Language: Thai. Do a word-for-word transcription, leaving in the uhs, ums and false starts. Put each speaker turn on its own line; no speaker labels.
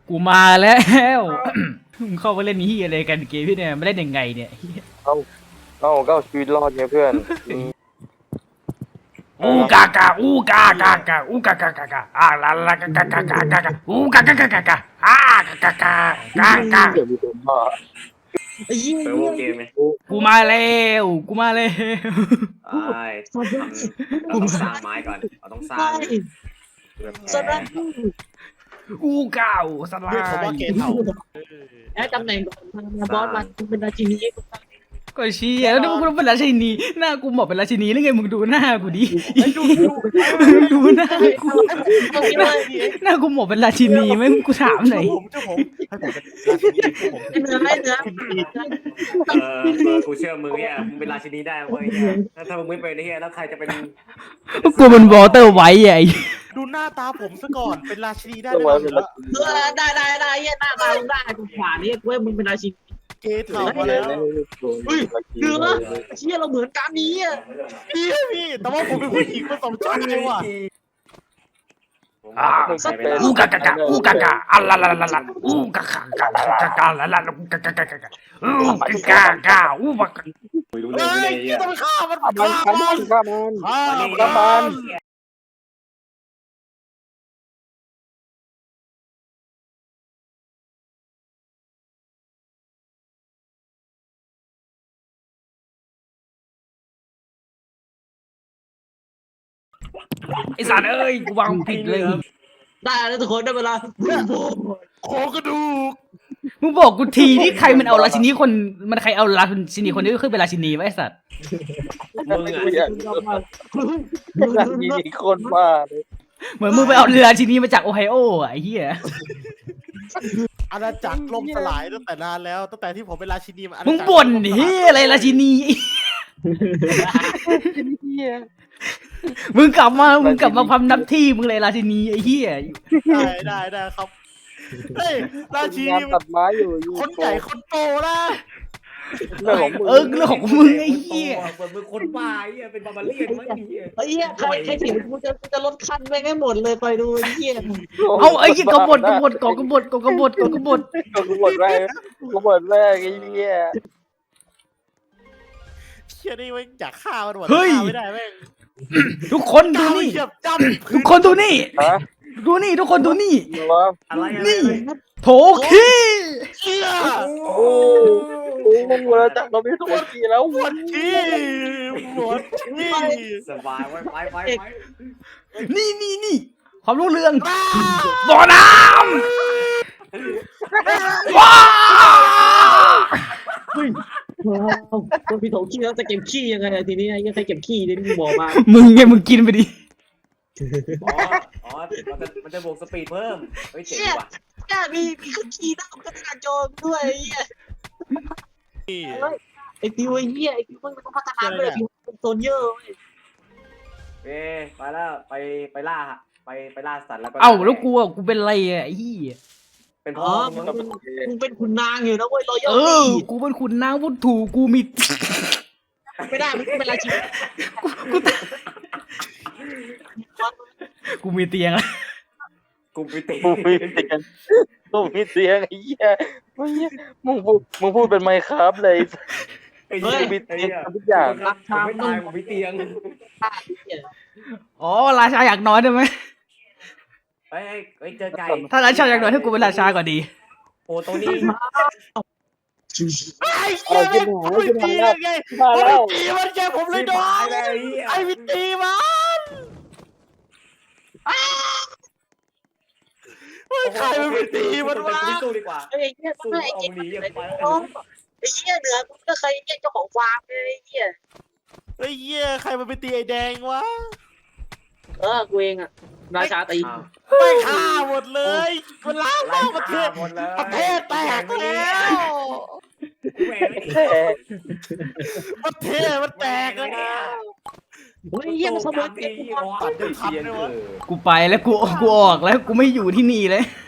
กูมาแล้วมึงเข้ามาเล่นนี่อะไรกันเกมพี่เนี่ยไม่เล่นยังไงเนี่ย
เอ้าเอ้าก็ชีวิตรอดไงเพื่อน
อูกากาอูกากากาอูกากากากาอ่าลาลากากากากากาอูกากากากากาอ่ากากากากา
เดี๋ยวมีคนบ้า
ไอ้ยี่
เปิดวงเกมไหม
กูมาแล้วกูมาแล้ว
ใช่ทำเราต้องสร้างไม้ก่อนเราต้องสร้าง
ไม่
เพื่อ
ส
แพ้
ลับ
อูเก่าสลา
เรียกเขาว่าย เกย์เต่า
ไอ้ตำแหน่งบอสมันเป็นราชินี
ก็เชี่ยแล้วมึงเป็นราชินีหน้ากูเหมาะเป็นราชินีหรือไงมึงดูหน้ากูดิมึงดูหน้ากูหน้ากูเหมาะเป็นราชินีไหมกูถามหน่อย
ผมเจ้าผมให้ผมเป็นราชินีผม
เนื้อเนื้อ
เออเออกูเชื่อมึงเนี่ยมึงเป็นราชินีได้เว้ยเนี่ยถ้าถ้ามึงไม่เป็นไอ้เหี้ยแล้วใครจะเป็น
กูเป็นวอเตอร์ไวท์ไอ้
ดูหน้าตาผมซะก่อนเป็นราชินีได้
ต้อง
ไหม
ไว้เป็น
แล้ว
เออได้ได้ได้เยี่ยหน้าตามึงได้กูขวานี่กูว่ามึงเป็นราชินี
เกย์เต่ามาแล้ว
เนื้อเชี่ยเราเหมือนกันนี้อ่ะ
พี่พี่แต่ว่าผมเป็นผู้หญิงผสมชาติเลยว่ะ
อ่าอูกากากาอูกากาอัลลาลาลาลาอูกากากากากาลาลาอูกากากากาอูกากาอูบัก
คุยรู้
เฮ้
เรื่อง
ย
เลย
เกย์ต้องไปฆ่ามัน
ฆ่ามันฆ่ามันฆ่ามัน
ฆ่า
ฆ่ามัน
ไอสารเอ้ยกูวางผิดเลย
ได้แล้วทุกคนได้เวลา
โครงกระดูก
มึงบอกกูทีนี่ใครมันเอาราชินีคนมันใครเอาราชินีคนนี้ขึ้นเป็นราชินีไว้ไอ้สัตว์
มึงอ่ะ
อยากอยากมีคนบ้าเลย
เหมือนมึงไปเอาราชินีมาจากโอไฮโออ่ะไอ้เหี้ย
อาณาจักรล่มสลายตั้งแต่นานแล้วตั้งแต่ที่ผมเป็นราชินีมาอาณา
มึง
จักร
บ่นเฮียอะไรราชินีมึงกลับมามึงกลับมาพำนับที่มึงเลยราชินีไอ้เหี้ย
ได้ได้ได้ครับเฮ้ยราชิ
งา
นี
นตัดไม้อยู่อยู่
คนใหญ่คนโตนะ
เรื่องของมึง
เออเรื่องของมึงไอ้เหี้ย
เหมือนมึงคนบ้าไอ้เหี้ยเป็นบาร์บาเลียนมั้งไอ้เหี้ย
ไอ้เหี้ยใครใครถึงกูจะจะลดขั้นไปให้หมดเลยไปดูไอ้เหี้ย
เอาไอ้เหี้ยกบฏกบฏกกบฏกบฏกบฏ
กูหมดแรกกูหมดแรกไอ้เหี้ย
เชี่ยนี่แม่งอยากฆ่ามันหมดฆ่าไม่ได้แม่ง
ทุกคนดู
ก้าว
นี่
เหยียบจ้ำ
ทุกคนดูนี่
ฮะ
ดูนี่ทุกคนดูนี่
วะ
อะไรอะไร
นี่โถขี้
เชี่ย
โอ้โหมึงเวลาจับเราไม่ถูกทีแล้ว
ปวดขี้ปวดขี้
สบายไว้ไปไปไป
นี่นี่นี่ความรู้เรื่องบ่อน้ำว้า
คนพี่โถขี้แล้วจะเก็บขี้ยังไงทีนี้ไอ้เหี้ยใครเก็บขี้เนี่ยมึงบอกมา
มึงไงมึงกินไปดิ
อ๋ออ๋อมันจะมันจะบวกสปีดเพิ่มเฮ้ยเจ๋งว่ะ
แค่มีมีขี้หน้าก็กระโจนด้วยไอ้เหี้ยไอ้ฟิวไอ้เหี้ยไอ้ฟิวมันต้องพัฒนาเลยฟิวเป็นโซนเยอะเว้ย
เอ้ไปแล้วไปไปล่าฮะไปไปล่าสัตว์แล้วก็
เอ้าแล้วกูอ่ะกูเป็นไรอ่ะไอ้เหี้ย
เป็นพ่
อ๋
อ
อ
มึ
มึ
ง
งมึงเป็นขุนนางอยู่นะเว้ยรอย
เออกูเป็นขุนนางวุฒถูกูมี
ไม่ได้มึงเป็นราชินี
กูมีเตียงอะ
กูไปตี
กูมีเสียงกูมีเสียงไอ้เหี้ยมึงมึงพูดมึงพูดเป็นไมค์ครับเลย
ไอ้เหี้ย
มีเตียงทุกอย่าง
ผมไม่ตายผมมีเตียง
อ๋อราชาอยากนอนได้ไหม
เฮ้ยเฮ้ยเจอไก่
ถ้าราชาอยากนอนให้กูเป็นราชาก่อนดี
โอ้ตัวนี้
ไอ้เชี่ยแม่งผมไม่ตีมันไงผมไม่ตีมันไงผมเลยโดนไอ้ไม่ตีมันไม่ใครมันไม่ตีมันวะ
สู้ดีกว่า
ไอ้เหี้ย
สู้
ไอ้
เอา
เหี้ย
หนีอย่างไป
ไอ้เหี้ยเหนือมึงก็เคยเรียกเจ้าของฟาร์มเลยไอ้เหี้ย
ไอ้เหี้ยใครมันไปตีไอ้แดงวะ
เออกูเองอะราชาตี
ไม่ฆ่าหมดเลยมันล้างล้างประเทศ
หมดเลย
ประเทศแตกแล้ว
แค่
ประเทศมันแตกแล้ว
เฮ้ยเหี้ยมันขโมยเก็บกู
ตัดด้วยทันเลยวะ
กูไปแล้วกูกูออกแล้วกูไม่อยู่ที่นี่เลย